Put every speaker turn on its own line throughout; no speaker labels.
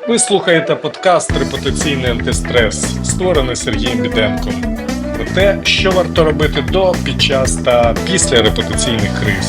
Ви слухаєте подкаст «Репутаційний антистрес», створений Сергієм Біденком. Про те, що варто робити до, під час та після репутаційних криз.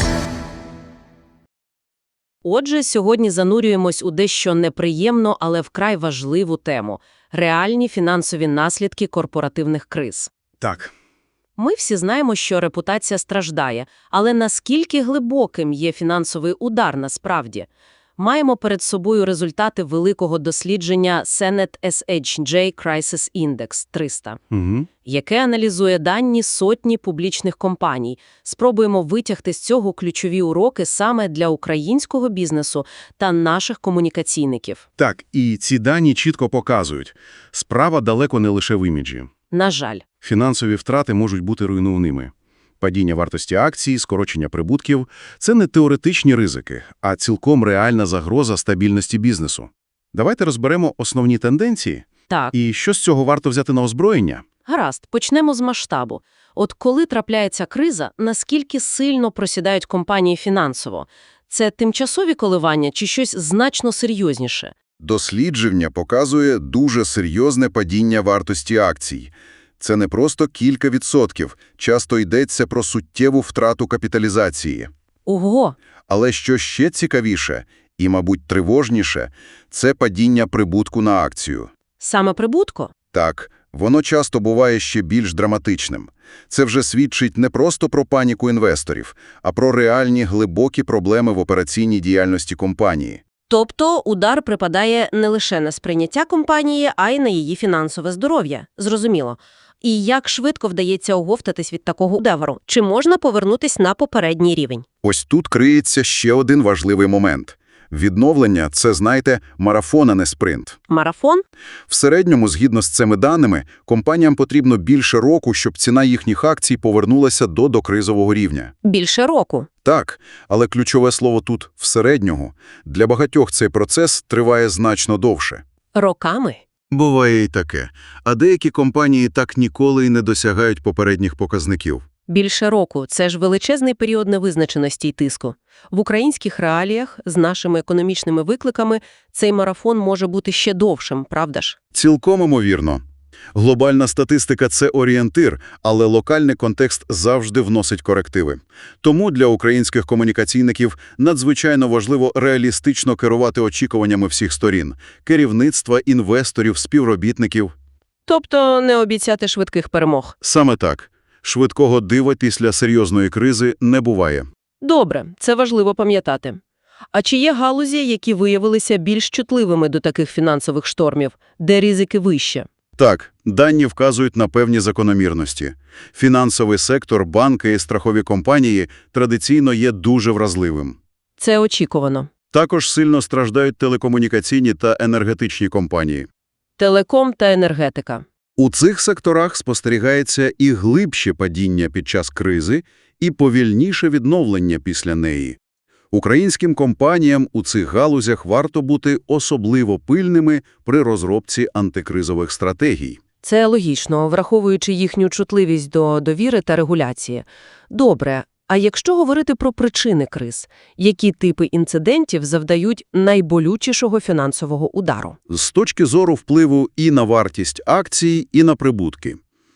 Отже, сьогодні занурюємось у дещо неприємну, але вкрай важливу тему – реальні фінансові наслідки корпоративних криз.
Так.
Ми всі знаємо, що репутація страждає, але наскільки глибоким є фінансовий удар насправді? Маємо перед собою результати великого дослідження Senet SHJ Crisis Index 300, яке аналізує дані сотні публічних компаній. Спробуємо витягти з цього ключові уроки саме для українського бізнесу та наших комунікаційників.
Так, і ці дані чітко показують. Справа далеко не лише в іміджі.
На жаль.
Фінансові втрати можуть бути руйнівними. Падіння вартості акцій, скорочення прибутків – це не теоретичні ризики, а цілком реальна загроза стабільності бізнесу. Давайте розберемо основні тенденції.
Так.
І що з цього варто взяти на озброєння?
Гаразд, почнемо з масштабу. От коли трапляється криза, наскільки сильно просідають компанії фінансово? Це тимчасові коливання чи щось значно серйозніше?
Дослідження показує дуже серйозне падіння вартості акцій. Це не просто кілька відсотків, часто йдеться про суттєву втрату капіталізації.
Ого!
Але що ще цікавіше і, мабуть, тривожніше – це падіння прибутку на акцію.
Саме прибутку?
Так, воно часто буває ще більш драматичним. Це вже свідчить не просто про паніку інвесторів, а про реальні глибокі проблеми в операційній діяльності компанії.
Тобто удар припадає не лише на сприйняття компанії, а й на її фінансове здоров'я. Зрозуміло. І як швидко вдається оговтатись від такого удару? Чи можна повернутись на попередній рівень?
Ось тут криється ще один важливий момент. Відновлення – це, знаєте, марафон, а не спринт.
Марафон?
В середньому, згідно з цими даними, компаніям потрібно більше року, щоб ціна їхніх акцій повернулася до докризового рівня.
Більше року.
Так, але ключове слово тут – в середньому. Для багатьох цей процес триває значно довше.
Роками?
Буває і таке. А деякі компанії так ніколи й не досягають попередніх показників.
Більше року – це ж величезний період невизначеності й тиску. В українських реаліях з нашими економічними викликами цей марафон може бути ще довшим, правда ж?
Цілком імовірно. Глобальна статистика – це орієнтир, але локальний контекст завжди вносить корективи. Тому для українських комунікаційників надзвичайно важливо реалістично керувати очікуваннями всіх сторін – керівництва, інвесторів, співробітників.
Тобто не обіцяти швидких перемог.
Саме так. Швидкого дива після серйозної кризи не буває.
Добре, це важливо пам'ятати. А чи є галузі, які виявилися більш чутливими до таких фінансових штормів, де ризики вище?
Так, дані вказують на певні закономірності. Фінансовий сектор, банки і страхові компанії традиційно є дуже вразливим.
Це очікувано.
Також сильно страждають телекомунікаційні та енергетичні компанії.
Телеком та енергетика.
У цих секторах спостерігається і глибше падіння під час кризи, і повільніше відновлення після неї. Українським компаніям у цих галузях варто бути особливо пильними при розробці антикризових стратегій.
Це логічно, враховуючи їхню чутливість до довіри та регуляції. Добре, а якщо говорити про причини криз, які типи інцидентів завдають найболючішого фінансового удару?
З точки зору впливу і на вартість акцій, і на прибутки.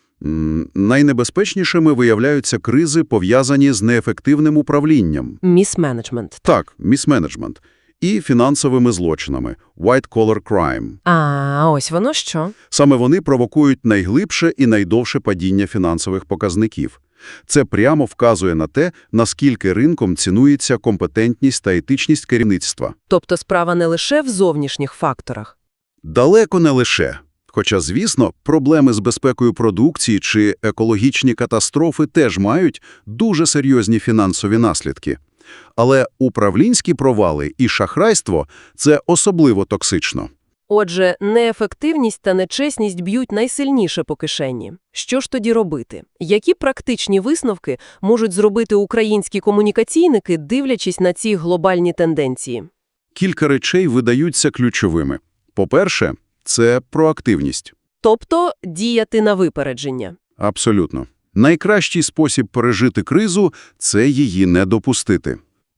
Найнебезпечнішими виявляються кризи, пов'язані з неефективним управлінням.
Місменеджмент.
Так, місменеджмент. І фінансовими злочинами – white-collar crime.
А ось воно що?
Саме вони провокують найглибше і найдовше падіння фінансових показників. Це прямо вказує на те, наскільки ринком цінується компетентність та етичність керівництва.
Тобто справа не лише в зовнішніх факторах.
Далеко не лише. Хоча, звісно, проблеми з безпекою продукції чи екологічні катастрофи теж мають дуже серйозні фінансові наслідки. Але управлінські провали і шахрайство – це особливо токсично.
Отже, неефективність та нечесність б'ють найсильніше по кишені. Що ж тоді робити? Які практичні висновки можуть зробити українські комунікаційники, дивлячись на ці глобальні тенденції?
Кілька речей видаються ключовими. По-перше, це проактивність.
Тобто діяти на випередження.
Абсолютно. Найкращий спосіб пережити кризу – це її не допустити.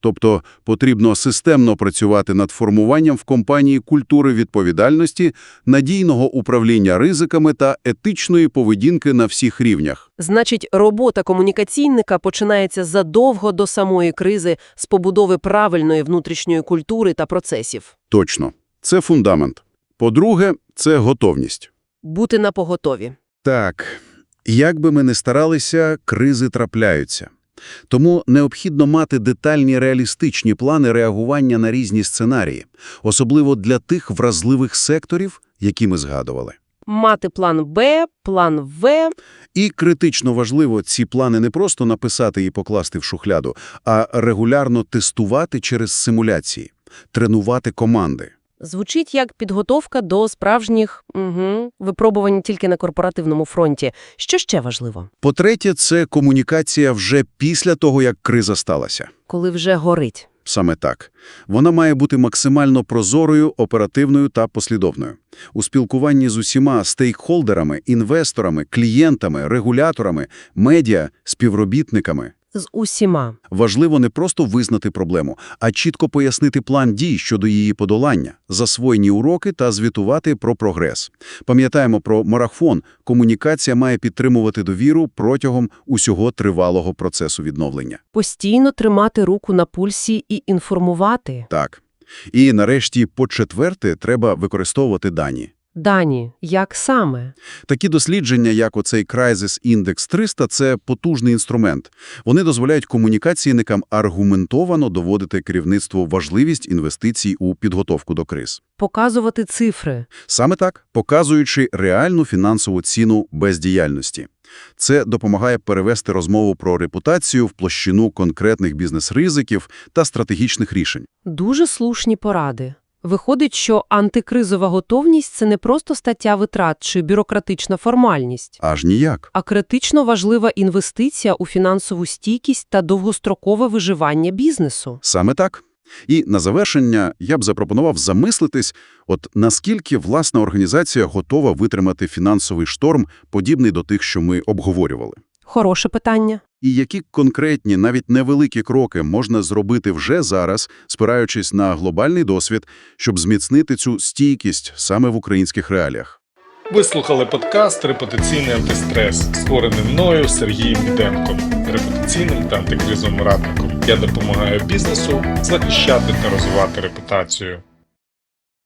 Тобто потрібно системно працювати над формуванням в компанії культури відповідальності, надійного управління ризиками та етичної поведінки на всіх рівнях.
Значить, робота комунікаційника починається задовго до самої кризи з побудови правильної внутрішньої культури та процесів.
Точно. Це фундамент. По-друге, це готовність.
Бути напоготові.
Так, як би ми не старалися, кризи трапляються. Тому необхідно мати детальні реалістичні плани реагування на різні сценарії, особливо для тих вразливих секторів, які ми згадували.
Мати план Б, план В.
І критично важливо ці плани не просто написати і покласти в шухляду, а регулярно тестувати через симуляції, тренувати команди.
Звучить як підготовка до справжніх випробувань тільки на корпоративному фронті. Що ще важливо?
По-третє, це комунікація вже після того, як криза сталася.
Коли вже горить.
Саме так. Вона має бути максимально прозорою, оперативною та послідовною. У спілкуванні з усіма стейкхолдерами, інвесторами, клієнтами, регуляторами, медіа, співробітниками.
З усіма.
Важливо не просто визнати проблему, а чітко пояснити план дій щодо її подолання, засвоєні уроки та звітувати про прогрес. Пам'ятаємо про марафон. Комунікація має підтримувати довіру протягом усього тривалого процесу відновлення.
Постійно тримати руку на пульсі і інформувати.
Так. І нарешті, по-четверте, треба використовувати дані.
Дані, як саме?
Такі дослідження, як оцей Crisis Index 300, це потужний інструмент. Вони дозволяють комунікаційникам аргументовано доводити керівництву важливість інвестицій у підготовку до криз.
Показувати цифри.
Саме так, показуючи реальну фінансову ціну бездіяльності. Це допомагає перевести розмову про репутацію в площину конкретних бізнес-ризиків та стратегічних рішень.
Дуже слушні поради. Виходить, що антикризова готовність – це не просто стаття витрат чи бюрократична формальність,
Аж ніяк.
а критично важлива інвестиція у фінансову стійкість та довгострокове виживання бізнесу.
Саме так. І на завершення я б запропонував замислитись, наскільки власна організація готова витримати фінансовий шторм, подібний до тих, що ми обговорювали.
Хороше питання.
І які конкретні, навіть невеликі кроки можна зробити вже зараз, спираючись на глобальний досвід, щоб зміцнити цю стійкість саме в українських реаліях.
Ви слухали подкаст «Репутаційний антистрес», створений мною Сергієм Біденком, репутаційним та антикризовим радником. Я допомагаю бізнесу захищати та розвивати репутацію.